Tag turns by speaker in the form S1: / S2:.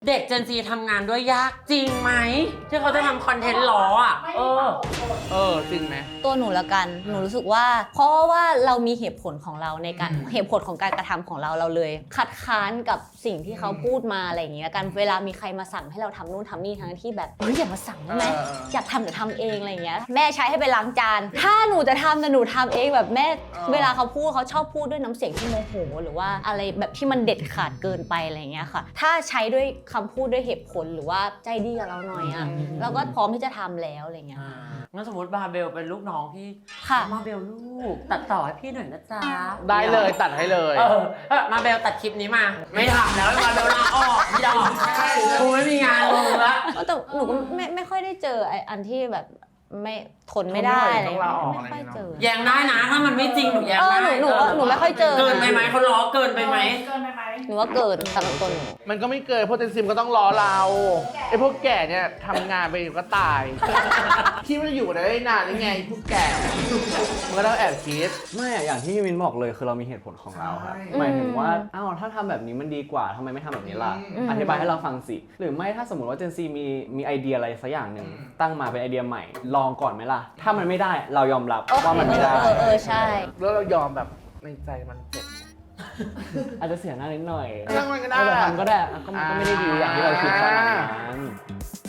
S1: เด็ก Gen Z ทำงานด้วยยากจริงไหมที่เขาจะทำคอนเทนต์ล้ออ่ะ
S2: จริงไหม
S3: ตัวหนูละกันหนูรู้สึกว่าเพราะว่าเรามีเหตุผลของเราในการเหตุผลของการกระทำของเราเลย คัดค้านกับสิ่งที่เขาพูดมาอะไรอย่างเงี้ยกันเวลามีใครมาสั่งให้เราทำนู่นทำนี่ทั้งที่แบบเฮ้ยอย่ามาสั่งได้ไหมอยากทำเดี๋ยวทำเองอะไรอย่างเงี้ยแม่ใช้ให้ไปล้างจานถ้าหนูจะทำแต่หนูทำเองแบบแม่เวลาเขาพูดเขาชอบพูดด้วยน้ำเสียงที่โมโหหรือว่าอะไรแบบที่มันเด็ดขาดเกินไปอะไรอย่างเงี้ยค่ะถ้าใช้ด้วยคำพูดด้วยเหตุผลหรือว่าใจดีกับเราหน่อยอ่ะเราก็พร้อมที่จะทำแล้วอะไรเงี้ย
S1: งั้นสมมติบาเบลเป็นลูกน้องพี่
S3: ค่ะ
S1: มาเบลลูกตัดต่อให้พี่หน่อยนะจ๊ะ
S2: ได้เลยตัดให้เลย
S1: มาเบลตัดคลิปนี้มาไม่ทำแล้วมาเบลลาออกพี่ดอกกูไม่มีงานลงละ
S3: แต่หนูก็ไม่ค่อยได้เจออันที่แบบไม่ทนไม่ได้อะไรไม่ค่อยเจอ
S1: แย้งได้นะถ้ามันไม่จริงหนูแย้งได้
S3: หนูไม่ค่อยเจอ
S1: เกินไปไหมเขาล้อเกินไปไหม
S3: หนูว่าเกินสำหรับตัวหนู
S2: มันก็ไม่เกินเพราะเจนซิมก็ต้องรอเราไอ้พวกแก่เนี่ยทำงานไปก็ตายคิดว่าจะอยู่ได้นานยังไงพวกแก่มันก็ต้องแอบคิด
S4: ไม่อย่างที่พี่มินบอกเลยคือเรามีเหตุผลของเราครับหมายถึงว่าถ้าทำแบบนี้มันดีกว่าทำไมไม่ทำแบบนี้ล่ะอธิบายให้เราฟังสิหรือไม่ถ้าสมมติว่าเจนซีมีไอเดียอะไรสักอย่างหนึ่งตั้งมาเป็นไอเดียใหม่ลองก่อนไหมล่ะถ้ามันไม่ได้เรายอมรับว่ามันไม่ได้
S3: ใช่
S2: แล้วเรายอมแบบในใจมันเจ็บ
S4: อาจจะเสียหน้านิดหน่อย
S2: ช่างมันก็ได้
S4: ทำก็ได้ก็ไม่ได้ดีอย่างที่เราคิดขนาดนั้น